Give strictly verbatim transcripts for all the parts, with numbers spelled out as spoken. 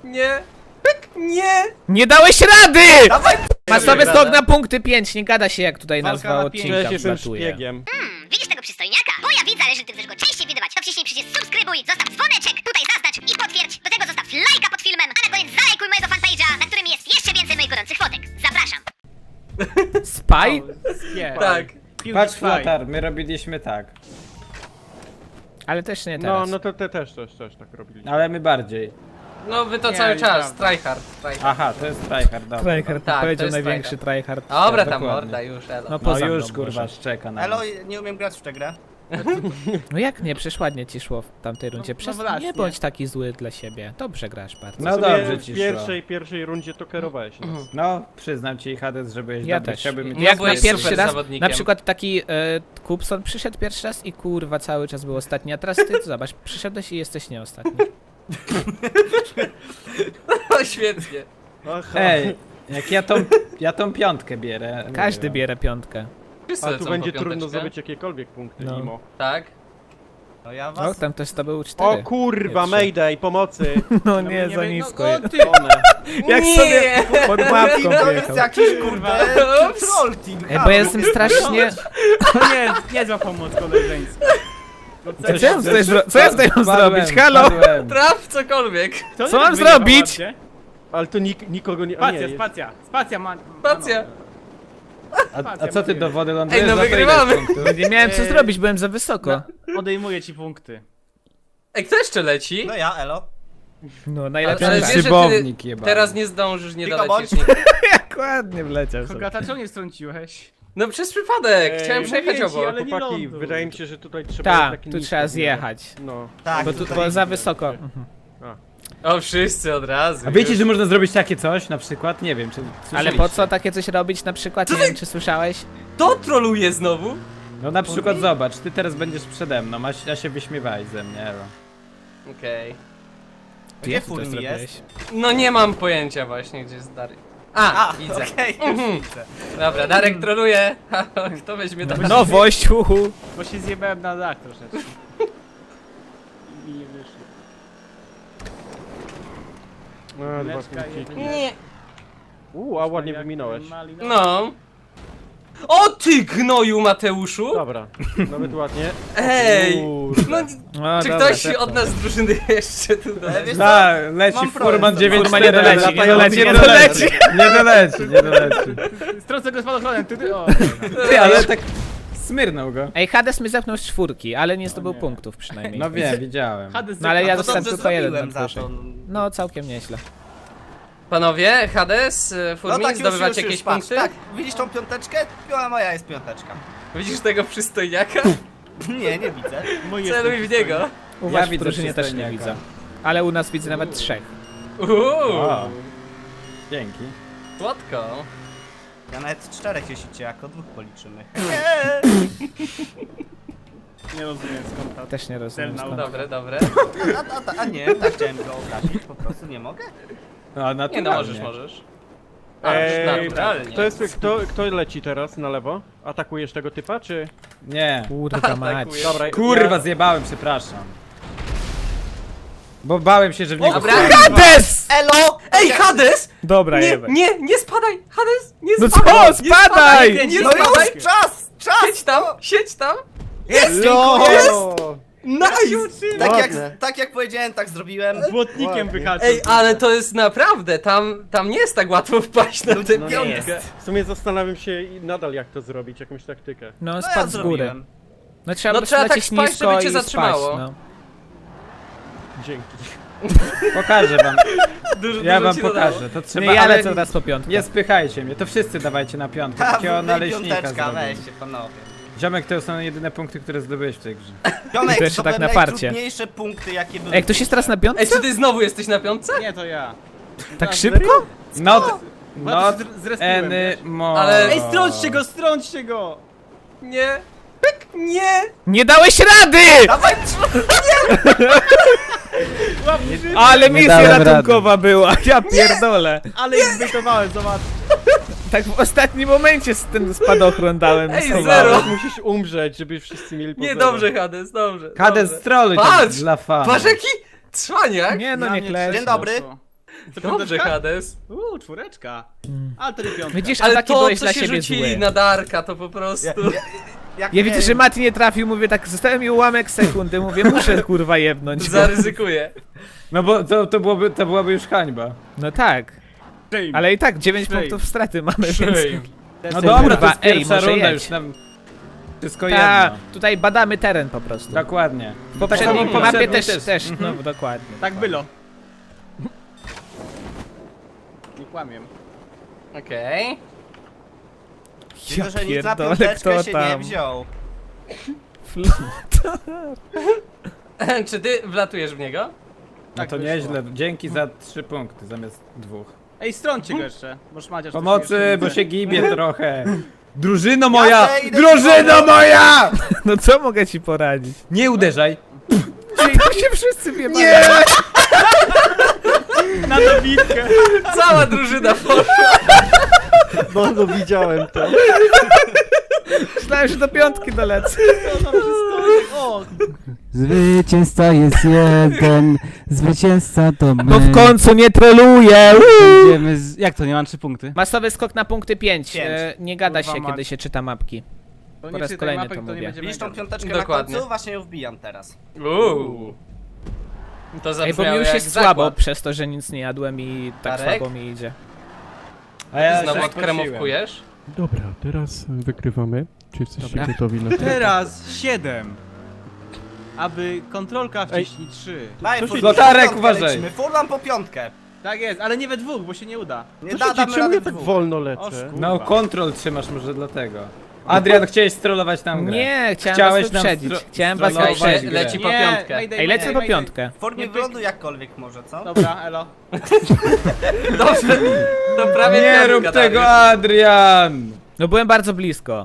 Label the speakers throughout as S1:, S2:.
S1: Nie. Pyk, nie.
S2: Nie dałeś rady!
S1: Dawaj.
S2: Masowy
S1: Radę.
S2: skok na punkty pięć, nie gada się jak tutaj
S3: Walka
S2: nazwa
S3: na
S2: odcinka
S3: pięć.
S4: Przecież jestem
S2: wlatuje.
S4: szpiegiem.
S5: Hmm, widzisz tego przystojniaka? Bo ja widzę, ale jeżeli ty chcesz go częściej widywać, to wciśnij przycisk subskrybuj, zostaw dzwoneczek, tutaj zaznacz i potwierdź. Do tego zostaw lajka pod filmem, a na koniec zalajkuj mojego fanpage'a, na którym jest jeszcze więcej moich gorących fotek. Zapraszam.
S2: Spy?
S3: Nie.
S1: Tak.
S4: Patrz, Flotar, my robiliśmy tak.
S2: Ale też nie
S4: No,
S2: teraz.
S4: no to te też, też, też tak robiliśmy.
S6: Ale my bardziej.
S1: No wy to
S3: Nie,
S1: cały czas,
S3: nieprawda.
S1: tryhard, tryhard.
S6: Aha, to jest tryhard, dobra.
S2: Tryhard,
S1: Tak, to
S2: powiedział
S1: jest
S2: największy tryhard.
S1: Dobra tam
S6: dokładnie.
S1: morda już, elo.
S2: No
S6: No
S2: poza
S6: już
S2: mną
S6: kurwa
S2: może.
S6: szczeka na
S7: Elo,
S6: nas.
S7: nie umiem grać w tę grę.
S2: No jak nie, przecież ładnie ci szło w tamtej rundzie.
S3: no
S2: Przez...
S3: właśnie.
S2: Nie bądź taki zły dla siebie. Dobrze grasz bardzo.
S6: No
S4: W sumie
S6: dobrze
S4: w
S6: ci
S4: pierwszej, pierwszej rundzie to kierowałeś nas.
S6: No, przyznam ci Hades, że byłeś
S2: Ja
S6: dobry.
S2: też.
S6: Chciałbym mieć...
S1: Ja
S2: Jak na
S1: byłeś
S2: pierwszy
S1: super
S2: raz,
S1: zawodnikiem.
S2: na przykład taki e, Kupson przyszedł pierwszy raz i kurwa cały czas był ostatni, a teraz ty zobacz, przyszedłeś i jesteś nie ostatni.
S1: No świetnie.
S4: Aha.
S6: Ej, jak ja tą, ja tą piątkę bierę.
S2: Każdy
S6: mówię.
S2: bierze piątkę.
S1: Wszyscy
S4: A
S1: lecą
S4: tu
S1: po
S4: będzie
S1: piąteczkę.
S4: trudno zdobyć jakiekolwiek punkty,
S2: No.
S4: Imo.
S1: Tak?
S7: No ja
S2: O,
S7: was...
S2: tam ktoś to był cztery.
S4: O kurwa,
S2: Nie, trzy.
S4: Mayday, pomocy!
S2: No nie,
S3: nie
S2: za
S3: wiem, no,
S2: nisko.
S3: no,
S2: jest.
S4: One.
S2: Jak
S1: Nie!
S2: sobie pod mapką
S7: To jest
S2: wjechał.
S7: jakiś kurde troll team.
S2: Ej, bo ja jestem strasznie...
S3: Nie, nie zła pomoc koleżeńska. No
S2: Co ja tutaj, zro... Co ja tutaj mam
S6: Spadłem,
S2: zrobić? Halo?
S6: spadłem.
S1: Traf cokolwiek.
S3: To
S2: Co
S3: nie
S2: mam
S3: wyjebał
S2: zrobić?
S3: ładnie.
S4: Ale to nik nikogo nie... a nie,
S3: Spacja,
S4: jest-
S3: spacja, spacja ma...
S1: Spacja.
S6: A, a co ty do wody lądujesz?
S1: Ej, no
S6: Za to ile
S1: wygrywamy.
S6: punktów?
S2: Nie miałem co
S3: Eee,
S2: zrobić, byłem za wysoko.
S3: Odejmuję ci punkty.
S1: Ej, kto jeszcze leci?
S7: No ja, elo.
S2: No,
S1: Ale,
S2: najlepszy
S1: ale
S6: ten
S1: wiesz, że ty
S6: szybownik jebany.
S1: teraz nie zdążysz, nie
S7: Tylko
S1: dolecisz.
S7: bądź.
S2: Jak ładnie wleciał sobie.
S3: Kogata, czemu nie wtrąciłeś?
S1: No przez przypadek,
S4: Ej,
S1: chciałem przejechać
S4: mówię ci,
S1: obok.
S4: Ale
S3: nie
S4: chłopaki,
S3: ląduj.
S4: wydaje mi się, że tutaj trzeba
S2: Tak,
S4: taki
S2: tu
S4: nisko
S2: trzeba
S4: było.
S2: zjechać.
S4: No.
S7: Tak,
S2: Bo tu
S7: tutaj
S2: było za
S7: widzę.
S2: wysoko. Mhm.
S1: O, wszyscy od razu.
S6: A wiecie,
S1: już.
S6: że można zrobić takie coś na przykład? Nie wiem, czy
S2: Ale
S6: słyszeliście?
S2: po co takie coś robić na przykład? Nie wiem, czy słyszałeś?
S1: To troluje znowu?
S6: No na przykład zobacz, ty teraz będziesz przede mną, a, a się wyśmiewaj ze mnie, Elo.
S1: Okej.
S7: Gdzie
S2: Jak ty
S7: full
S2: to
S7: mi
S2: zrobiłeś?
S7: jest?
S1: No nie mam pojęcia właśnie, gdzie jest Darek. A,
S7: A,
S1: widzę.
S7: okej, już
S1: Mhm.
S7: widzę.
S1: Dobra, Darek troluje. Kto weźmie to?
S2: Nowość, uhu.
S3: Bo się zjebałem na dach troszeczkę. I mi nie wyszło.
S4: A, dwa
S3: Leczka,
S4: punkciki.
S3: jedynie.
S1: Nie.
S4: Uuu, a ładnie
S3: Jak
S4: wyminąłeś.
S3: malina-
S1: No. O ty gnoju Mateuszu!
S4: Dobra, nawet ładnie.
S1: Ej!
S4: Kurde.
S1: No,
S2: No,
S1: czy
S2: dobra,
S1: ktoś
S2: tak.
S1: od nas z drużyny jeszcze tu
S7: Ale
S1: doleci?
S7: wiesz
S6: Da,
S7: co?
S6: leci
S7: Mam
S6: Furman
S7: problem.
S6: dziewięć
S2: Furman nie doleci, nie doleci, nie doleci.
S6: Nie doleci, nie doleci.
S3: Strącę go spadochronem, ty, ty, o.
S6: Ty, ale tak smyrnął go.
S2: Ej, Hades mnie zepnął z czwórki, ale nie zdobył
S3: nie.
S2: punktów przynajmniej.
S6: No wiem, widziałem.
S3: Hades
S2: No ale ja
S7: No to
S2: dostałem
S7: dobrze
S2: tylko jeden
S7: zrobiłem za
S2: nadwyżek.
S7: to.
S2: No, całkiem nieźle.
S1: Panowie, Hades,
S7: No
S1: Furmin,
S7: tak, już,
S1: zdobywacie
S7: już, już,
S1: jakieś
S7: patrz,
S1: punkty?
S7: tak. Widzisz tą piąteczkę? Piła moja jest piąteczka.
S1: Widzisz tego przystojniaka?
S7: Nie, nie widzę.
S3: Mój
S1: Celuj
S3: jest
S1: w niego.
S2: U was w
S6: widzę
S2: drużynie też nie
S6: przystojniaka.
S2: widzę. Ale u nas widzę nawet trzech.
S1: Uuu,
S6: O, dzięki.
S1: słodko.
S7: Ja nawet czterech jeśli cię jako dwóch policzymy.
S3: Nie rozumiem skąd ta...
S2: Też nie rozumiem
S3: Celna
S2: skąd.
S1: Dobre, dobre.
S7: A, a, a, a nie, tak chciałem go obrazić, po prostu nie mogę.
S6: No,
S1: Nie
S6: naturalnie.
S1: no, możesz, możesz. A,
S4: Ej,
S1: naturalnie.
S4: kto, jest, kto, kto leci teraz na lewo? Atakujesz tego typa, czy...
S6: Nie.
S2: Kurwa mać.
S1: Atakuje.
S4: Dobra,
S6: Kurwa,
S4: ja...
S6: zjebałem, przepraszam. Bo bałem się, że w niego...
S1: Dobra.
S2: Hades!
S7: Elo!
S1: Ej, Hades!
S2: Dobra,
S1: Nie,
S2: jebaj.
S1: nie, nie spadaj! Hades, nie
S2: No
S1: spadaj!
S2: co,
S1: nie
S2: spadaj!
S1: Nie, nie
S7: No
S1: spadaj!
S7: już, czas! Czas!
S1: Siedź tam, siedź tam!
S7: Jest!
S4: No!
S1: Nice!
S7: Tak jak,
S4: Ładne.
S7: tak jak powiedziałem, tak zrobiłem.
S3: Błotnikiem wyhaczył.
S1: Ej, ale to jest naprawdę, tam, tam nie jest tak łatwo wpaść na tę
S7: no nie
S1: piątkę.
S7: jest.
S4: W sumie zastanawiam się i nadal jak to zrobić, jakąś taktykę.
S2: No,
S7: No ja
S2: spadł z góry.
S7: zrobiłem.
S2: No trzeba
S1: No
S2: no,
S1: trzeba tak
S2: lecieć
S1: spaść,
S2: nisko
S1: żeby cię
S2: i
S1: zatrzymało.
S2: Spaść, no.
S4: Dzięki.
S6: Pokażę wam.
S1: Dużo,
S6: Ja
S1: dużo
S6: wam
S1: ci dodało.
S6: pokażę. To trzeba,
S2: Nie, ja
S6: ale
S2: lecę teraz po piątkę.
S6: nie spychajcie mnie, to wszyscy dawajcie na piątkę.
S7: Ha,
S6: Takiego
S7: wy
S6: naleśnika
S7: piąteczka,
S6: zrobię.
S7: weźcie panowie.
S6: Ziomek, to są jedyne punkty, które zdobyłeś w tej grze.
S7: Ziomek,
S2: To jeszcze
S7: to
S2: tak
S7: były
S2: na farcie.
S7: najtrudniejsze punkty jakie były.
S2: Ej, ktoś jest teraz na
S1: Ej,
S2: piątce?
S1: czy ty znowu jesteś na piątce?
S3: Nie, to ja.
S2: Tak szybko?
S6: Not,
S3: No
S6: not
S3: to z- zrespiłem,
S6: any
S3: wiesz?
S6: more.
S1: Ale-
S3: Ej, strąćcie go, strąćcie go!
S1: Nie. Pyk, nie.
S2: Nie dałeś rady!
S7: Dawaj,
S2: Ale
S6: Nie
S2: misja
S6: dałem
S2: ratunkowa była, ja pierdolę.
S3: Ale ich zbytowałem, zobacz.
S2: Tak w ostatnim momencie z ten spadochron dałem.
S1: Ej,
S2: schowałem.
S1: zero.
S4: Musisz umrzeć, żeby wszyscy mieli po
S1: Nie,
S4: zero.
S1: dobrze, Hades, dobrze.
S6: Hades
S1: dobrze.
S6: trolluj
S1: Patrz!
S6: dla fanu.
S1: Patrz jaki cwaniak!
S2: Nie no,
S3: Na
S2: nie
S3: mnie
S2: klesz.
S7: Dzień dobry.
S3: poszło. Co,
S1: Dobrze,
S3: piąteczka?
S1: Hades.
S3: Uuu, czwóreczka. Ale to nie piątka.
S2: Widzisz,
S1: Ale
S2: ataki
S1: to,
S2: byłeś
S1: co
S2: dla
S1: się
S2: siebie
S1: rzucili
S2: zły.
S1: na Darka, to po prostu...
S7: Ja, ja, jak
S2: Ja widzę,
S7: miałem-
S2: że Mati nie trafił, mówię tak, zostałem mi ułamek sekundy, mówię, muszę kurwa jebnąć.
S1: Zaryzykuję.
S6: No bo to, to, byłoby, to byłaby już hańba.
S2: No tak,
S3: Shame.
S2: ale i tak dziewięć
S3: Shame.
S2: punktów straty mamy, więc...
S1: Shame.
S6: No
S2: Ej,
S6: dobra, to
S2: kurwa,
S6: jest
S2: ej,
S6: pierwsza
S2: może
S6: runda,
S2: jedź.
S6: już nam wszystko
S2: Ta,
S6: jedno.
S2: tutaj badamy teren po prostu.
S6: Dokładnie.
S2: W poprzedniej
S6: Tak samo
S2: mapie
S6: poprzedniej
S2: też,
S6: też.
S2: też, no dokładnie.
S3: Tak było. Nie kłamię.
S1: Okej.
S7: Widzę, że nic na
S2: pierdolę,
S7: piąteczkę
S2: kto
S7: się
S2: tam?
S7: nie wziął.
S1: Czy ty wlatujesz w niego?
S6: No
S3: Tak
S6: to
S3: wyszło.
S6: nieźle. Dzięki za trzy punkty zamiast dwóch.
S3: Ej, strąćcie go jeszcze. Możesz Maciasz coś
S6: Pomocy,
S3: jeszcze
S6: bo
S3: widzę.
S6: się gibie trochę. Drużyno moja!
S7: Jasne, idę
S6: Drużyno
S7: do-
S6: moja!
S2: No co mogę ci poradzić?
S6: Nie uderzaj.
S2: Czyli tu się wszyscy wiemy.
S6: Nie!
S3: Na dobitkę.
S1: Cała drużyna poszła.
S4: No, no widziałem to.
S2: Myślałem, że do piątki dolecę.
S3: Co tam się stoi? O,
S8: Zwycięzca jest jeden, zwycięzca to my.
S2: Bo w końcu nie troluję.
S8: Będziemy z... Jak to, nie mam trzy punkty?
S2: Masowy skok na punkty pięć.
S7: Pięć.
S2: E, nie gada
S3: Kurwa
S2: się,
S3: mać.
S2: kiedy się czyta mapki.
S3: to
S2: Po
S3: nie
S2: raz
S3: czytaj
S2: kolejny
S3: mapek,
S2: to
S3: to nie
S2: mówię.
S3: będzie
S7: Widzisz tą
S3: mega.
S7: piąteczkę
S1: Dokładnie.
S7: na końcu? Właśnie ją wbijam teraz.
S1: Uuu. To
S2: Ej, bo
S1: zabrzmiało
S2: mi już
S1: jak
S2: jest słabo
S1: zakład.
S2: przez to, że nic nie jadłem i tak
S1: Darek?
S2: słabo mi idzie.
S6: A ja
S1: Znowu
S6: się
S1: odkremówkujesz?
S4: Dobra, teraz wygrywamy. Czy jesteście
S2: Dobra.
S4: gotowi na to?
S3: Teraz siedem. Aby kontrolka wciśnij trzy.
S7: Daj,
S4: Co się-
S7: Furman,
S6: Lotarek,
S7: po piątkę
S6: uważaj.
S7: lecimy. Furman po piątkę.
S3: Tak jest, ale nie we dwóch, bo się nie uda.
S7: Nie
S4: Co
S7: da,
S4: się
S7: damy
S4: dzieje? Czemu
S7: radę
S4: ja
S7: w
S4: tak
S7: dwóch.
S4: wolno
S3: O,
S4: lecę?
S3: skur-
S6: No kontrol trzymasz może dlatego. Adrian, chciałeś strollować tam grę.
S2: Nie, chciałem
S6: Chciałeś
S2: was
S6: nam
S2: wyprzedzić.
S6: stro-
S2: Chciałem was
S6: strollować
S1: Czekaj,
S2: wyprzedzić.
S1: leci po
S3: Nie,
S1: piątkę.
S3: mayday,
S2: Ej, lecę
S3: mayday,
S2: po
S3: mayday.
S2: piątkę.
S7: W formie
S3: Nie pyk.
S7: wyglądu jakkolwiek może, co?
S3: Dobra, elo.
S1: Dobrze, to prawie
S6: Nie
S1: piątka,
S6: rób tego,
S1: Dariusz.
S6: Adrian!
S2: No byłem bardzo blisko.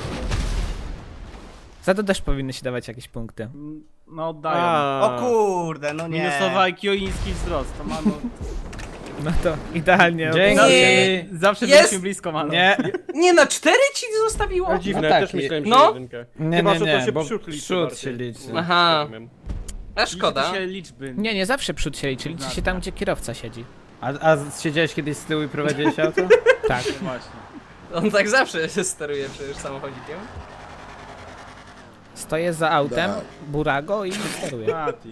S2: Za to też powinny się dawać jakieś punkty.
S3: No oddają.
S4: A,
S7: O kurde, no nie.
S3: Minusowa I Q i niski wzrost, to mano.
S2: No to idealnie.
S6: Dzięki.
S2: okej.
S3: Zawsze
S1: Jest.
S3: byliśmy blisko, mano.
S6: Nie,
S1: Nie, na cztery ci zostawiło?
S4: A dziwne,
S6: No tak,
S4: też myślałem, że
S1: no.
S4: jedynkę.
S6: nie,
S4: Chyba,
S6: nie,
S4: że to
S6: nie,
S4: się
S6: bo
S4: przód liczy
S6: przód
S4: bardziej.
S6: się liczy.
S1: Aha,
S4: Rozumiem.
S1: a szkoda.
S3: Liczy się liczby.
S2: Nie, nie zawsze przód się liczy. Liczy się tam, gdzie kierowca siedzi.
S6: A, a siedziałeś kiedyś z tyłu i prowadziłeś auto?
S2: Tak.
S3: Właśnie.
S1: On tak zawsze się steruje przecież samochodzikiem.
S2: Stoję za autem, burago i steruję.
S3: Mati.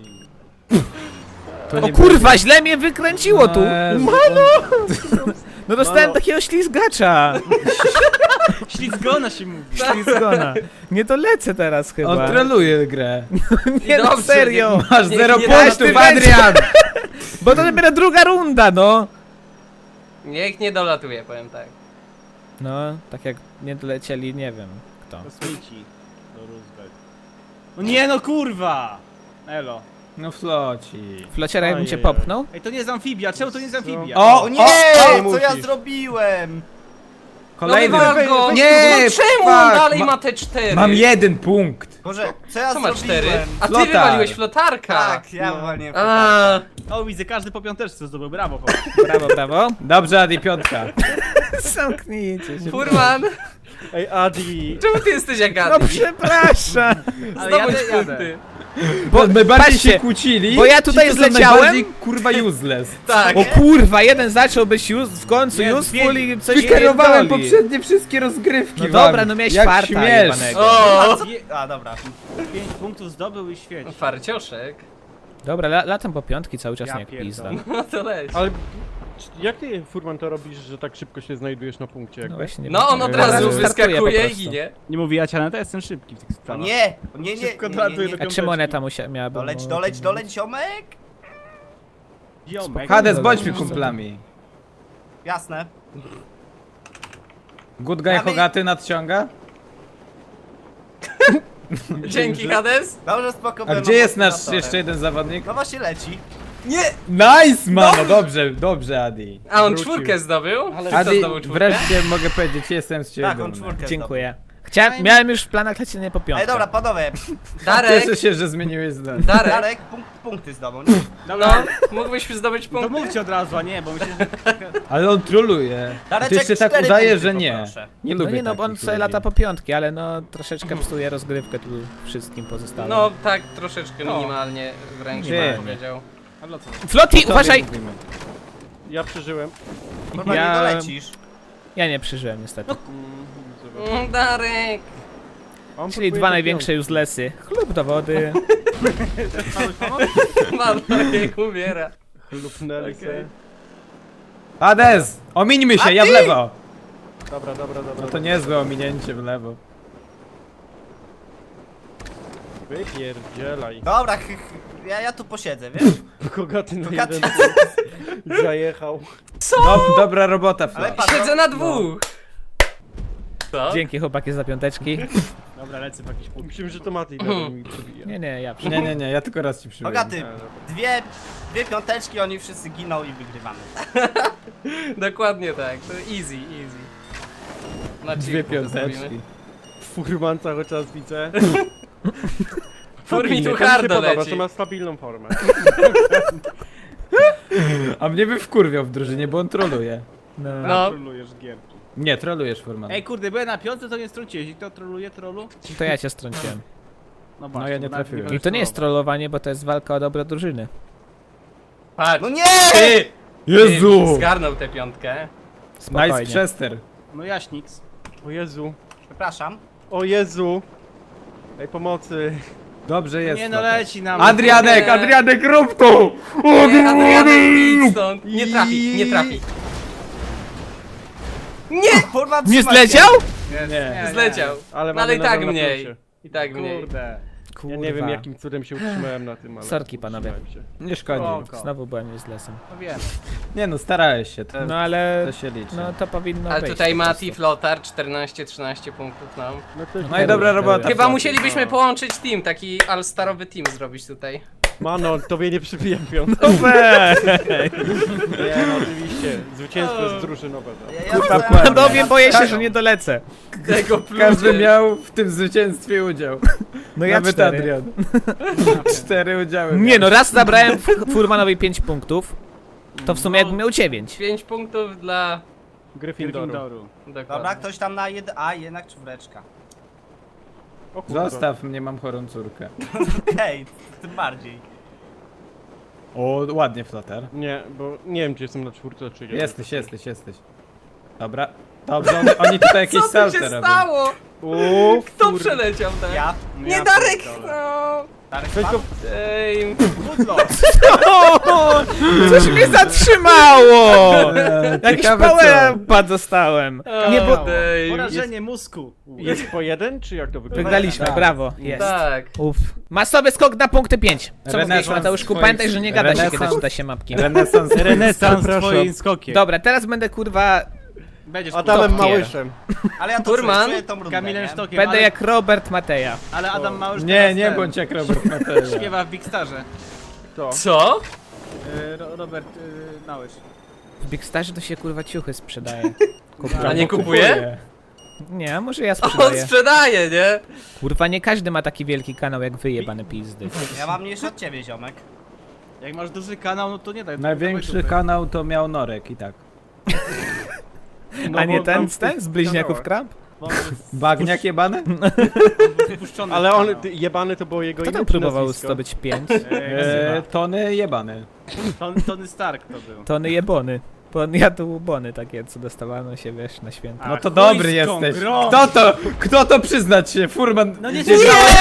S2: O kurwa, źle mnie wykręciło tu!
S6: Jezu,
S2: No dostałem
S3: Mano.
S2: takiego ślizgacza.
S3: Ślizgona się mówi.
S2: Ślizgona. Nie dolecę teraz
S6: On,
S2: chyba.
S6: on troluje grę.
S2: Nie no,
S1: Dobrze,
S2: serio.
S1: nie-
S6: Masz
S1: nie-
S6: zero
S1: nie
S6: punktów,
S1: dolatuje.
S6: Adrian!
S2: Bo to dopiero druga runda, no.
S1: Niech nie dolatuje, powiem tak.
S2: No, tak jak nie dolecieli, nie wiem kto.
S3: Kosmici. Do Roosevelt. No nie no kurwa! Elo.
S6: No floci.
S2: Flociera jakbym cię
S4: Ojej.
S2: popchnął?
S3: Ej, to nie jest amfibia, czemu to nie jest amfibia?
S6: O!
S7: O nie,
S6: o,
S7: co ja
S4: musisz.
S7: zrobiłem?
S6: Kolejny.
S1: No wywal go!
S6: Nie,
S1: no czemu on
S6: fuck,
S1: dalej
S6: ma-
S1: ma te cztery?
S6: Mam jeden punkt.
S7: Boże, co ja
S1: Co ma
S7: zrobiłem?
S1: cztery? A ty
S6: Flotar.
S1: wywaliłeś flotarka!
S7: Tak, ja wywaliłem.
S1: A,
S3: O, widzę, każdy po piąteczce zdobył, brawo chłop.
S2: Brawo, brawo.
S6: Dobrze, Adi, piątka.
S2: Zamknijcie się.
S1: Furman,
S4: Ej, Adi.
S1: czemu ty jesteś jak
S2: No
S1: Adi?
S2: przepraszam.
S3: Ale
S1: Zdobądź
S3: jadę, jadę.
S1: punkty.
S6: Bo my bardziej
S2: patrzcie,
S6: się kłócili.
S2: bo ja tutaj
S6: ci, co są
S2: zleciałem.
S6: najbardziej, kurwa useless.
S1: Tak.
S2: O kurwa, jeden zaczął być już w końcu
S3: Nie,
S2: useful i coś
S6: Wykierowałem
S2: pierdoli.
S6: poprzednie wszystkie rozgrywki
S2: No
S6: wam.
S2: dobra, no miałeś
S6: Jak
S2: farta
S6: śmiesz.
S2: jebanego.
S1: O!
S3: Je-
S7: A, dobra.
S3: Pięć punktów zdobył i świeć.
S1: Farcioszek.
S2: Dobra, la, latam po piątki cały czas
S3: Ja
S2: jak
S3: pierdolę.
S2: pizda.
S1: No to leć.
S4: Ale czy- jak ty, Furman, to robisz, że tak szybko się znajdujesz na punkcie?
S2: No
S4: Jakby?
S2: właśnie, nie
S1: No
S2: wiem.
S1: on od
S2: Od
S1: razu
S2: startuje po
S1: wyskakuje i
S2: prostu.
S1: ginie.
S3: Nie mówi Jaciana, to jestem szybki w tych
S7: O
S3: sprawach.
S7: nie, o nie, nie,
S3: Szybko
S7: nie, nie,
S3: dolatuje
S7: nie.
S3: do
S2: A czym moneta musia, miałaby...
S7: Doleć, doleć, doleć, ziomek?
S3: Ziomek.
S6: Hades, bądźmy kumplami.
S7: Jasne.
S6: Good guy
S7: Mamy-
S6: Hogaty nadciąga?
S1: Dzięki Hades.
S7: Dobrze, spoko.
S6: A
S7: byłem
S6: gdzie jest nasz
S7: motywatorem.
S6: jeszcze jeden zawodnik?
S7: No właśnie leci.
S1: Nie!
S6: Nice, mano, dobrze, dobrze, Adi.
S1: A on
S4: Wrócił.
S1: czwórkę zdobył? Czy kto
S6: Adi,
S1: zdobył czwórkę?
S6: wreszcie mogę powiedzieć, jestem z ciebie
S7: Tak, on
S6: dumny.
S7: czwórkę
S2: Dziękuję. Chciałem, miałem już w planach lecenie po
S7: zdobył.
S2: piątkę.
S7: Ej, dobra, panowie.
S1: Darek,
S6: Cieszę się, że zmieniłeś zdanie.
S1: Darek,
S7: Darek, punkt, punkty zdobył.
S1: no, mógłbyś zdobyć
S3: To
S1: punkt.
S3: mówcie od razu, a nie, bo myślę, że...
S6: Ale on troluje.
S7: Dareczek,
S6: Ty jeszcze tak
S7: cztery
S6: udaje,
S7: punkty
S6: że nie.
S7: poproszę.
S6: Nie
S2: No
S6: lubię
S2: nie no, bo on
S6: takich
S2: sobie
S6: ludzi.
S2: lata po piątki, ale no troszeczkę psuje rozgrywkę tu wszystkim pozostałym.
S1: No tak, troszeczkę
S3: No.
S1: minimalnie wręcz
S6: Nie.
S1: bym powiedział.
S3: A dla co?
S2: Flotti,
S6: Tobie
S2: uważaj!
S6: mówimy.
S4: Ja przeżyłem.
S7: Kurwa,
S2: Ja-
S7: nie dolecisz.
S2: Ja nie przeżyłem niestety.
S1: Mm, Darek!
S4: On
S2: Czyli
S4: próbuje
S2: dwa
S4: do
S2: największe uselessy. Chlub do wody.
S1: Mam Darek umiera.
S4: Chlupnęli se.
S6: Hades! Omińmy się, ja w lewo!
S4: Dobra, dobra, dobra.
S6: No to niezłe ominięcie w lewo.
S4: Wypierdzielaj.
S7: Dobra, ch, ch, ja, ja tu posiedzę, wiesz?
S4: Kogaty na
S7: Kogaty.
S4: jeden zajechał.
S6: Dob dobra robota,
S7: Ale
S6: Flash.
S7: patrz,
S1: Siedzę na dwóch! Co?
S2: Dzięki chłopaki za piąteczki.
S3: Dobra, lecę w jakiś punkt.
S4: Myślałem, że to Mati dalej mi przebija.
S2: Nie, nie, ja
S6: Nie, nie, nie, ja tylko raz ci przybyłem.
S7: Bogaty, dwie, dwie piąteczki, oni wszyscy giną i wygrywamy.
S1: Dokładnie tak, to easy, easy. Na
S6: Dwie
S1: chillku to zrobimy.
S6: piąteczki.
S4: Furman cały czas widzę.
S1: Fur mi tu
S4: To mi się
S1: hardo
S4: podoba,
S1: leci.
S4: że ma stabilną formę.
S6: A mnie by wkurwiał w drużynie, bo on troluje.
S2: No.
S1: No,
S3: Trolujesz gierki.
S6: Nie, trolujesz, Furman.
S3: Ej, kurde, byłem na piątce, to nie strąciłeś. I to troluje trollu?
S2: To ja cię strąciłem.
S3: No,
S6: No, ja nie
S3: bo nawet
S6: trafiłem.
S3: będę
S2: I to nie jest
S3: trollował.
S2: trollowanie, bo to jest walka o dobro drużyny.
S1: patrz.
S7: No nie!
S1: Ty!
S6: Jezu!
S1: Ty zgarnął tę piątkę.
S6: Nice
S2: Spokojnie.
S6: Chester.
S3: No jaśniks.
S4: O Jezu.
S7: Przepraszam.
S4: O Jezu. Ej, pomocy.
S6: Dobrze jest.
S3: Nie no,
S6: Flotar.
S3: leci nam.
S6: Adrianek,
S1: Nie.
S6: Adrianek, rób to!
S1: Nie, Adrianek, idź stąd. Nie trafi, nie trafi.
S7: Kurwa,
S2: Nie
S7: trzymaj się.
S2: zleciał?
S6: Nie.
S1: Zleciał.
S4: Ale
S1: No ale
S4: mamy
S1: i tak
S4: nadal na
S1: mniej.
S4: plusie.
S1: I tak mniej.
S3: Kurde.
S4: Ja nie wiem jakim cudem się utrzymałem na tym, ale...
S2: Sorki, panowie.
S4: utrzymałem się.
S6: Nie szkodzi.
S3: Spoko.
S2: Znowu byłem uselessem.
S3: No wiem.
S6: Nie no, starałeś się, to,
S2: No ale...
S6: to się liczy.
S2: No to powinno
S1: Ale
S2: być
S1: tutaj
S2: po
S1: Mati,
S2: prostu.
S1: Flotar, czternaście trzynaście punktów nam.
S4: No, to
S6: No i dobra robota.
S1: Chyba
S6: Flotar.
S1: musielibyśmy połączyć team, taki all-starowy team zrobić tutaj.
S4: Mano, tobie nie przybijam piąt.
S6: No weź!
S4: Nie, no oczywiście. Zwycięstwo jest drużynowe. Tak.
S7: Ja, ja
S6: Kurwa,
S7: dostałem-
S6: płat.
S2: Panowie, boję się, że nie dolecę.
S1: Tego
S6: Każdy miał w tym zwycięstwie udział.
S2: No ja
S6: Nawet
S2: cztery.
S6: Adrian. Cztery udziały.
S2: Nie
S6: miał.
S2: no, raz zabrałem F- Furmanowi pięć punktów. To w sumie jakbym miał dziewięć.
S1: pięć punktów dla...
S4: Gryffindoru.
S3: Gryffindoru.
S1: Dokładnie.
S7: Dobra, ktoś tam na jeden... A, jednak czwóreczka.
S4: O kurwa.
S6: Zostaw mnie, mam chorą córkę.
S7: Okej, tym bardziej.
S6: O, ładnie, Flotar.
S4: Nie, bo nie wiem czy jestem na czwórce czy nie.
S6: Jesteś, jesteś, jesteś. Dobra. Dobrze, oni, oni tutaj jakieś
S1: Co tu
S6: salty
S1: się
S6: robią.
S1: stało?
S4: Uuu,
S1: Kto
S4: kur...
S1: przeleciał tak?
S7: Ja.
S3: No
S1: Nie
S3: ja
S1: Darek!
S3: pierdolę.
S1: No.
S7: Darek
S4: Weź
S7: spadł?
S4: go...
S1: Ej,
S2: Coś mnie zatrzymało!
S6: Eee,
S2: Jakiś
S6: ciekawe
S2: power pad dostałem. Nie, bo...
S1: Dej.
S3: Porażenie mózgu.
S4: Jest po jeden, czy jak to wygląda?
S2: Wygraliśmy,
S6: Tak.
S2: brawo. Jest.
S1: Tak.
S2: Uff. Masowy skok na punkty pięć. Co
S6: Renesans
S2: mówisz, Mateuszku?
S6: swoich-
S2: Pamiętaj, że nie gada się, kiedy
S6: renesans-
S2: czyta się mapki.
S6: Renesans.
S3: Renesans
S4: Przepraszam.
S3: twoim skokiem.
S2: Dobra, teraz będę kurwa...
S3: Będziesz
S4: Adamem
S2: Top tier.
S4: Małyszem.
S7: Ale ja to
S1: Furman?
S7: czuję, czuję tą rundę,
S3: Kamilem
S7: nie?
S3: Sztokiem,
S2: Będę
S3: ale,
S2: jak Robert Mateja.
S3: ale Adam Małysz
S6: Nie,
S3: teraz
S6: nie
S3: ten,
S6: bądź jak Robert Mateja.
S3: Śpiewa w Big Starze.
S4: To.
S1: Co?
S3: Y, Ro- Robert y, Małysz.
S2: W Big Starze to się kurwa ciuchy sprzedaje.
S1: A nie kupuje?
S2: Nie, a może ja
S1: On
S2: sprzedaję.
S1: sprzedaje, nie?
S2: Kurwa, nie każdy ma taki wielki kanał jak wy, jebane pizdy.
S7: Ja mam mniejszy od ciebie, ziomek.
S3: Jak masz duży kanał, no to nie daj.
S6: Największy
S3: dawaj
S6: kanał to miał Norek i tak.
S4: No,
S2: A nie
S4: bo
S2: ten,
S4: tam-
S2: ten z bliźniaków Kramp?
S3: dupy, bo on jest
S6: Bagniak jebany?
S3: wypuszczony
S4: Ale
S3: w
S4: on,
S3: kanał.
S4: ty, jebany to było jego
S2: Kto
S4: imię
S2: tam
S4: czy
S2: próbował
S4: nazwisko?
S2: zdobyć pięć?
S6: Eee, Tony jebany.
S3: Ton, Tony Stark to był.
S2: Tony jebony. Bo on jadł bony takie, co dostawano się, wiesz, na święta.
S6: No
S3: A,
S6: to
S3: chuj
S6: dobry
S3: z
S6: jesteś.
S3: kongrą.
S6: Kto to? Kto to przyznać się? Furman.
S3: No nie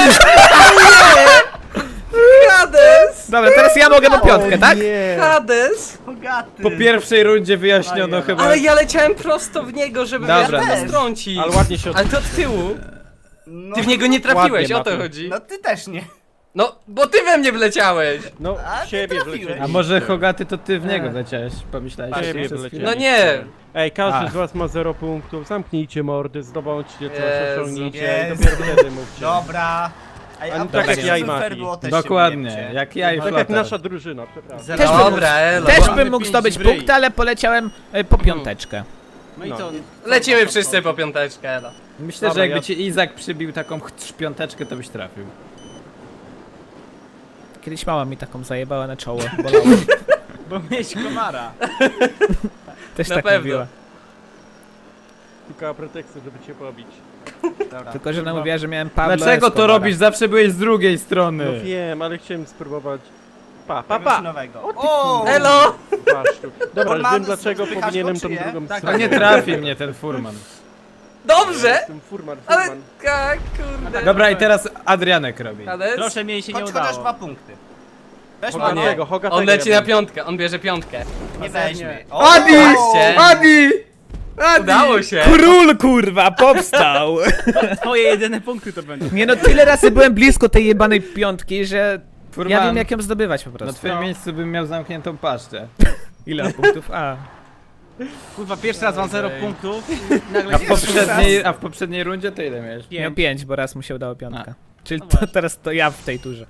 S1: Hades!
S2: Dobra, teraz ja mogę po piątkę, tak?
S4: Nie.
S1: Hades!
S7: Bogaty.
S6: Po pierwszej rundzie wyjaśniono
S3: Ajaj.
S6: chyba.
S1: Ale ja leciałem prosto w niego, żeby
S6: Dobra.
S1: wiatr
S7: Ja też.
S1: strącić.
S4: Ale ładnie się od...
S1: Ale to od tyłu.
S7: No,
S1: Ty w niego nie trafiłeś,
S4: Ładnie,
S1: o to
S4: Mati.
S1: chodzi.
S7: no ty też nie.
S1: No, bo ty we mnie wleciałeś.
S4: No,
S7: A,
S4: w siebie
S7: nie trafiłeś.
S4: wlecieliście.
S6: A może Hogaty to ty w niego leciałeś? Pomyślałeś
S4: W
S6: że
S4: siebie
S6: przez
S4: wlecieliście.
S6: chwilę?
S1: No nie.
S4: Ej, każdy
S6: A.
S4: z was ma zero punktów, zamknijcie mordy, zdobądźcie coś,
S1: Jezu.
S4: osiągnijcie i
S7: Jezu.
S4: dopiero wtedy mówcie.
S7: Dobra. A,
S4: A
S7: a
S4: nie tak
S7: tak
S6: jak ja
S4: i Mati.
S7: fair było też się
S6: Dokładnie,
S7: wyjebcie.
S6: jak ja i
S4: Tak jak
S6: Flotar.
S4: nasza drużyna, przepraszam.
S3: Zero.
S2: Też bym,
S1: Dobra, elo.
S2: też
S3: Mamy
S2: bym mógł
S3: pięć
S2: zdobyć
S3: w ryj.
S2: punkt, ale poleciałem e, po piąteczkę.
S3: No i
S4: No.
S3: co?
S1: Lecimy wszyscy po piąteczkę, elo.
S6: Myślę,
S4: Dobra,
S6: że jakby
S4: ja-
S6: ci Izak przybił taką ch- piąteczkę, to byś trafił.
S2: Kiedyś mama mi taką zajebała na czoło, bolało.
S3: Bo mieć komara.
S2: Też
S1: Na
S2: tak
S1: pewno.
S2: mówiła.
S4: Szukała pretekstu, żeby cię pobić.
S7: Dobra.
S2: Tylko, że ona mówiła, że miałem Pablo
S6: Dlaczego to
S2: Escobara.
S6: robisz? Zawsze byłeś z drugiej strony.
S4: No wiem, ale chciałem spróbować Pa, pa,
S7: Czegoś
S4: pa!
S7: nowego. O!
S1: Elo!
S4: Masz tu. Dobra, już
S7: Furman,
S4: wiem dlaczego
S7: słychać
S4: powinienem
S7: go,
S4: tą
S7: czy nie?
S4: drugą
S6: No
S4: stronę.
S6: nie trafi mnie ten furman.
S1: Dobrze!
S4: Jestem furman,
S1: Ale...
S4: furman.
S1: ka- Kurde.
S6: Dobra, i teraz Adrianek robi.
S1: Hades?
S3: Proszę, mi się nie
S7: Chodź chociaż dwa
S3: udało.
S7: punkty. Weź
S4: Hogatego,
S7: Mano,
S4: Hogatego.
S1: On leci
S4: ja
S1: na
S4: bym-
S1: piątkę, on bierze piątkę.
S7: nie weźmie.
S6: Adi!
S1: Patrzcie.
S6: Adi! Adi!
S1: Udało się!
S2: Król kurwa, powstał!
S3: Twoje jedyne punkty to będą.
S2: Nie no, tyle razy byłem blisko tej jebanej piątki, że
S6: Furman,
S2: ja wiem jak ją zdobywać po
S6: na
S2: prostu.
S6: twoim miejscu bym miał zamkniętą paszczę.
S2: Ile punktów? A.
S3: Kurwa, pierwszy raz mam zero punktów i nagle
S6: A w
S3: się
S6: poprzedniej, a w poprzedniej rundzie to ile miałeś?
S2: Miał pięć, bo raz mu się udało piątka. Czyli
S3: No
S2: to,
S3: właśnie.
S2: teraz to ja w tej turze.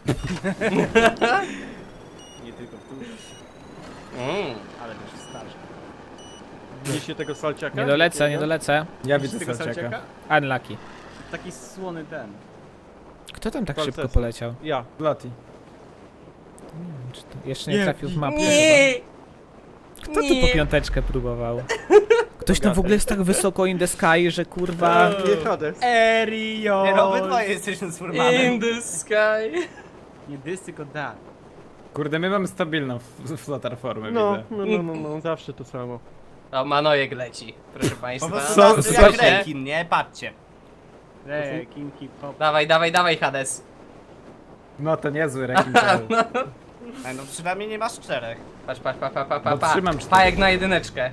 S3: Nie tylko w turze,
S1: Mm.
S3: ale też starszy.
S4: Widzicie tego salciaka?
S2: Nie dolecę, nie dolecę.
S6: Ja widzę
S3: Tego
S6: Salciaka.
S3: Salciaka?
S2: Unlucky.
S3: Taki słony ten.
S2: Kto tam tak
S4: Falceso.
S2: szybko poleciał?
S4: Ja.
S6: Loti.
S2: Czy to jeszcze nie trafił w mapę
S1: Nie!
S2: chyba. Kto tu po piąteczkę próbował? Ktoś tam w ogóle jest tak wysoko in the sky, że kurwa...
S4: Nie Hades.
S3: Erio!
S7: Nie no, obydwoje jesteśmy z Furmanem.
S1: In the sky.
S3: Nie dys, tylko da.
S6: Kurde, my mamy stabilną f- flotar formę,
S4: No,
S6: widzę.
S4: no, no, no, no, zawsze to samo.
S1: O, Manojek leci, proszę
S7: Po
S1: państwa.
S7: prostu
S6: Są-
S7: nas
S6: są-
S7: jak rekin, nie? Patrzcie.
S3: Rekin, hip-hop.
S1: Dawaj, dawaj, dawaj, Hades.
S6: No to niezły rekin cały.
S7: Ej, no przynajmniej nie masz czterech.
S1: Patrz, patrz, pa, pa, pa, pa,
S6: No,
S1: pa.
S6: trzymam cztery.
S1: Pajek na jedyneczkę.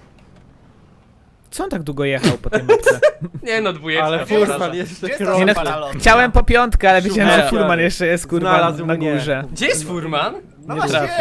S2: Co on tak długo jechał po tej mapce?
S1: Nie no, dwójeczka.
S4: Ale
S1: przepraszam.
S4: furman jeszcze
S7: Gdzie jest
S4: krok.
S2: Nie no,
S7: ta paralotnia?
S2: chciałem po piątkę, ale wiedziałem, że
S4: Szukaj.
S2: Furman jeszcze jest kurwa
S4: Znalazł
S2: na
S4: mnie.
S2: górze.
S1: Gdzie jest furman?
S7: No
S6: Nie
S7: właśnie,
S6: trafi.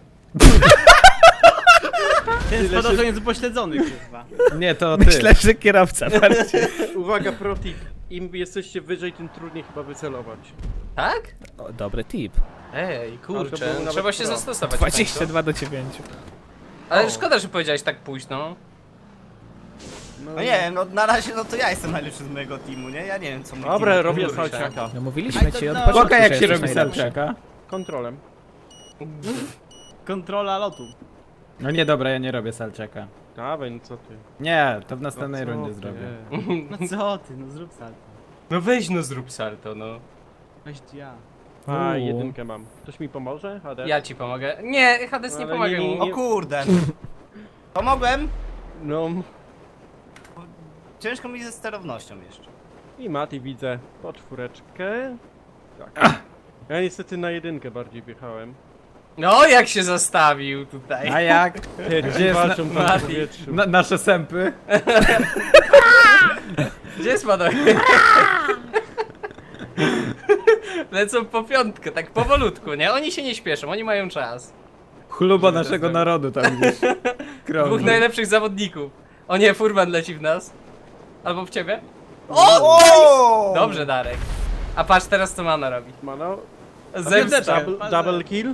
S3: Ten spadochroniec jest upośledzony, kurwa.
S6: Nie, to ty.
S2: Myślę, że kierowca bardziej.
S4: Uwaga, protip. Im jesteście wyżej, tym trudniej chyba wycelować.
S1: Tak?
S2: O, dobry tip.
S1: Ej,
S4: Ale to
S1: kurczę,
S4: było nawet
S1: trzeba się
S4: pro.
S1: zastosować.
S2: dwadzieścia dwa do dziewięciu.
S1: Ale szkoda, że powiedziałeś tak późno.
S7: no nie wiem, no na razie no to ja jestem najlepszy z mojego teamu, nie? Ja nie wiem co mój
S4: Dobra,
S7: team.
S4: robię
S1: kurczę.
S4: salciaka.
S2: No mówiliśmy ci od
S3: no.
S2: początku,
S6: Pokaż jak
S2: że
S6: się
S2: jesteś
S6: robi
S2: najlepszy.
S6: Salciaka.
S4: Kontrolem.
S3: Kontrola lotu.
S6: No nie, dobra, ja nie robię Salciaka.
S4: Dawaj, no co ty.
S6: Nie, to w następnej
S4: No co
S6: rundzie
S4: ty?
S6: zrobię.
S3: No co ty, no zrób salto.
S1: No weź no zrób salto, no.
S3: Weź ja.
S4: A,
S2: Uuu.
S4: jedynkę mam. Ktoś mi pomoże? Hades?
S1: Ja ci pomogę. Nie, Hades nie
S4: Ale
S1: pomaga
S4: nie, nie,
S1: mu.
S7: O kurde. Pomogłem?
S4: No
S7: Ciężko mi ze sterownością jeszcze.
S4: i Mati widzę po czwóreczkę. Tak. Ja niestety na jedynkę bardziej wjechałem.
S1: No jak się zastawił tutaj.
S6: A jak?
S4: Gdzie
S6: Gdzie jest na,
S4: walczą tam w
S1: Mati?
S4: powietrzu.
S6: na, nasze sępy?
S1: Gdzie jest Manojek? Lecą po piątkę, tak powolutku, nie? Oni się nie śpieszą, oni mają czas.
S6: Chluba naszego narodu tam gdzieś.
S1: Dwóch
S6: Krąży.
S1: najlepszych zawodników. O nie, furman leci w nas. Albo w ciebie.
S7: O!
S1: Dobrze, Darek. A patrz teraz co Mana robi.
S4: Mano,
S1: Zemsta.
S4: double, double kill.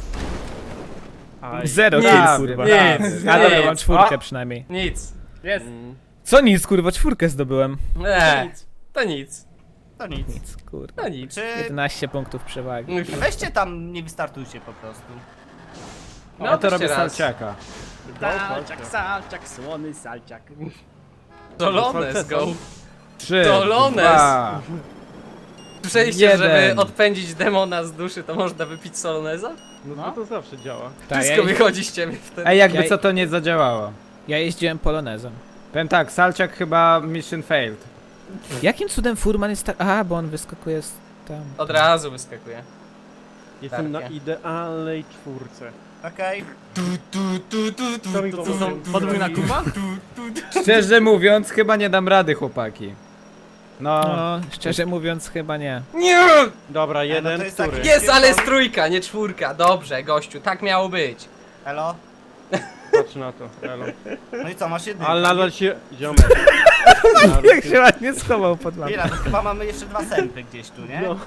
S4: Aj.
S2: Zero
S6: Nic,
S2: kill, kurwa.
S1: nic,
S2: A dobra,
S1: nic.
S2: mam czwórkę przynajmniej.
S1: Nic.
S3: Jest.
S4: Mm.
S2: Co nic, kurwa, czwórkę zdobyłem.
S1: Nie, to nic.
S7: To nic.
S2: Nic, kurwa.
S1: To nic.
S7: Czy
S2: jedenaście punktów przewagi.
S7: weźcie tam, nie wystartujcie po prostu.
S1: No,
S6: Ja to
S1: weźcie
S6: robię
S1: raz.
S6: Salciaka.
S3: Salciak, salciak, słony salciak.
S1: Dolones, go.
S6: Trzy,
S1: Dolones.
S6: dwa.
S1: Słyszeliście,
S6: Jeden.
S1: żeby odpędzić demona z duszy, to można wypić soloneza?
S4: No to, to zawsze działa.
S2: Tak,
S1: Wszystko
S2: ja,
S1: wychodzi z ciebie wtedy.
S6: Ej, jakby
S2: Ja-
S6: co to nie zadziałało.
S2: ja jeździłem polonezem.
S6: Powiem tak, Salciak chyba mission failed.
S2: Jakim cudem Furman jest tak... A, bo on wyskakuje z tam.
S1: Od razu wyskakuje.
S4: Jestem na
S1: Tarkie.
S4: idealnej czwórce.
S7: Okej?
S4: To mi
S3: To są podwójna kupa?
S6: Szczerze mówiąc, chyba nie dam rady, chłopaki. No,
S2: No, szczerze mówiąc, chyba nie.
S1: Nie!
S4: Dobra,
S7: no
S4: jeden,
S7: to jest
S4: który?
S7: taki-
S1: Jest, ale jest trójka, nie czwórka. Dobrze, gościu, tak miało być.
S7: Elo?
S4: Patrz na to, elo.
S7: No i co, masz jedynkę?
S4: Ale nadal się... Ziomek. Nadal
S2: Jak
S4: się-
S2: się ładnie schował pod lampą.
S7: Chwila, to chyba mamy jeszcze dwa sępy gdzieś tu, nie?
S4: No.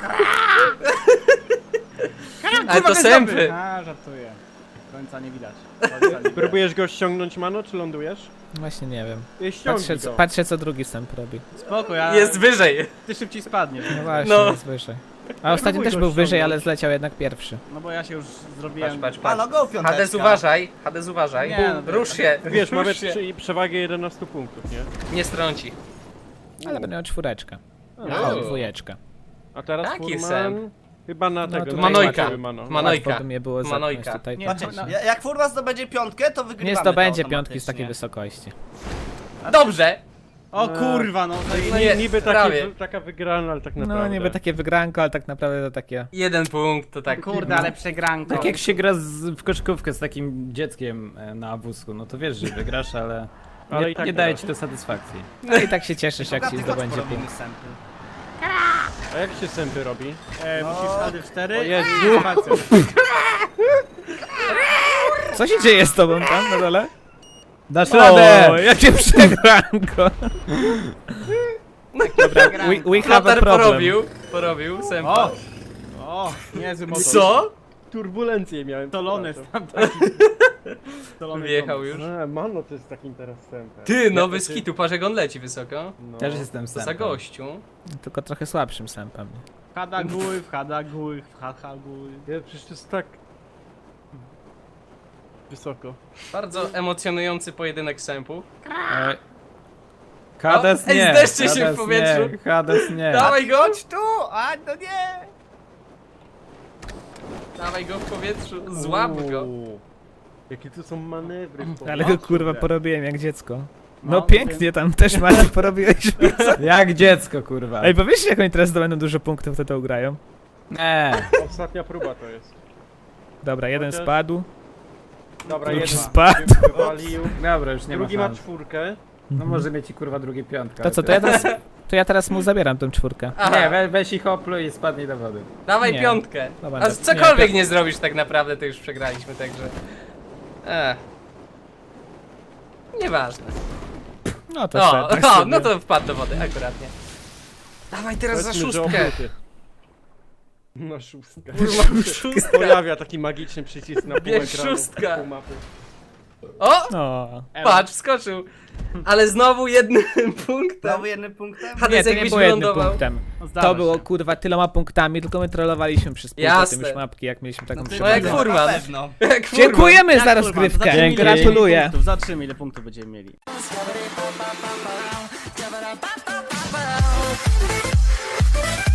S1: Ale to sępy.
S3: A, żartuję. Końca nie widać. Końca nie widać.
S4: Próbujesz go ściągnąć, Mano, czy lądujesz?
S2: Właśnie nie wiem.
S4: Nie ściągnij
S2: Patrzę, co,
S4: go.
S2: patrzę, co drugi sęp robi.
S3: Spoko, ja...
S1: Jest wyżej.
S3: Ty szybciej spadniesz.
S2: No właśnie,
S1: No.
S2: jest wyżej. A ostatni
S4: Próbuj
S2: też
S4: go
S2: był wyżej,
S4: ściągnąć.
S2: ale zleciał jednak pierwszy.
S3: No bo ja się już
S1: Patrz,
S3: zrobiłem...
S1: patrz,
S7: A
S1: patrz.
S7: no go piąteczka.
S1: Hades uważaj, Hades uważaj.
S3: Nie, no
S1: Rusz się,
S4: Wiesz, mamy
S1: rusz się.
S4: przy, przewagę jedenaście punktów, nie?
S1: Nie strąci.
S2: Ale będę miał czwóreczkę.
S1: No.
S2: O, dwójeczkę.
S4: A teraz
S1: Taki
S4: Furman...
S1: sęp.
S4: Chyba na
S2: No
S4: tego,
S2: to
S4: na
S1: Manojka.
S4: Iłaczy Mano.
S1: Manojka.
S2: Łatwo by mnie było zepchnąć
S1: Manojka.
S2: tutaj.
S3: Nie,
S7: Patrzcie,
S3: no-
S7: ja- jak Furwa zdobędzie piątkę, to wygrywamy.
S2: Nie
S7: to
S2: zdobędzie piątki z takiej
S7: automatycznie.
S2: wysokości.
S1: Dobrze!
S3: O kurwa, no.
S1: No
S4: Nie,
S1: nie,
S4: niby
S1: prawie.
S4: taki, taka wygrana, ale tak naprawdę.
S2: No niby takie wygranko, ale tak naprawdę to takie...
S1: Jeden punkt, to tak.
S3: Kurde, ale przegranko.
S6: Tak jak się gra z, w koszykówkę z takim dzieckiem e, na wózku, no to wiesz, że wygrasz, ale
S4: Ale
S6: nie,
S4: i tak
S6: nie daje
S4: wygrasz.
S6: ci to satysfakcji.
S2: No i tak się cieszysz, jak
S7: Bogaty,
S2: ci
S7: chodź
S2: zdobędzie
S7: porobimy
S2: punkt.
S7: sępy.
S4: A jak się sępy robi?
S3: E,
S7: No.
S3: musisz A D cztery
S4: O Jezu.
S3: i spację.
S2: Co się dzieje z tobą tam na dole?
S6: Dasz
S2: O,
S6: radę!
S2: jakie przegranko! Dobra, we, we have a
S1: Flotar
S2: problem.
S1: porobił, porobił, sępa.
S3: O! O, niezły motor.
S1: Co?
S4: Turbulencje miałem.
S3: Stolony
S4: przepraszam.
S3: tam taki. Stolony
S1: Wjechał już.
S4: A, Mano to jest takim teraz sępem.
S1: Ty, nowy skitu, patrz jak on leci wysoko.
S4: No.
S6: Też jestem
S1: To za
S6: sępem.
S1: gościu.
S2: Tylko trochę słabszym sępem.
S3: Hada góry, wchada góry, wchada góry.
S4: Ja, przecież to jest tak... Wysoko.
S1: Bardzo emocjonujący pojedynek sępów.
S6: E, Hades
S1: O, ej,
S6: nie!
S1: zdeszcie się w
S6: Hades
S1: powietrzu.
S6: Nie, Hades nie.
S1: Dawaj go!
S7: Chodź tu! A, no nie!
S1: Dawaj go w powietrzu, złap go.
S4: Uuu. Jakie tu są manewry w
S2: Ale
S4: powietrzu.
S2: go kurwa porobiłem jak dziecko. No,
S3: No,
S2: pięknie tam też Maciek porobiłeś.
S6: Jak dziecko, kurwa.
S2: Ej, powiedzcie jak oni teraz zdobędą dużo punktów, to to ugrają.
S6: Nie.
S4: Ostatnia próba to jest.
S2: Dobra, jeden
S4: Chociaż-
S2: spadł.
S4: Dobra,
S2: Drugi
S4: jeden
S2: spadł.
S4: się wywalił.
S6: Dobra, już nie
S4: Drugi
S6: ma
S4: ma
S6: szans.
S4: czwórkę.
S6: No może mieć i kurwa drugie piątka.
S2: To co, to ja teraz, to ja teraz mu zabieram tą czwórkę.
S1: Aha,
S6: Nie, we, weź ich opluj i spadnij do wody.
S1: dawaj
S2: Nie.
S1: piątkę.
S2: Dobra,
S1: A
S2: nie,
S1: cokolwiek
S2: nie,
S1: nie zrobisz tak naprawdę, to już przegraliśmy, także... Ech. Nieważne.
S2: No to
S1: O,
S2: sobie, tak
S1: o,
S2: sobie.
S1: no to wpadł do wody, akuratnie. Dawaj teraz za
S4: Powiedzmy, że
S1: szóstkę.
S4: obróty. Na szóstkę.
S1: Kurwa, szóstka.
S4: Pojawia taki magiczny przycisk na pół
S1: Bierz
S4: ekranu,
S1: szóstka.
S4: pół mapy.
S1: O,
S2: No.
S1: patrz, wskoczył. Ale znowu jednym punktem.
S7: Znowu jednym punktem?
S2: Nie,
S1: Hades
S2: to nie
S1: jakbyś
S2: było jednym
S1: wylądował.
S2: punktem.
S3: No, zdarza
S2: To było
S3: się.
S2: kurwa tyloma punktami, tylko my trollowaliśmy przez pół
S1: Jasne.
S2: tym już mapki, jak mieliśmy taką
S7: No,
S1: No jak
S2: przewagę.
S1: furman.
S7: Na pewno.
S1: Jak furman.
S2: Dziękujemy
S3: Jak
S2: za
S3: kurwa,
S2: rozgrywkę,
S3: zobaczymy, ile
S2: gratuluję.
S3: punktów, Zobaczymy ile punktów będziemy mieli.
S9: Ba-ba-da-ba-ba-ba.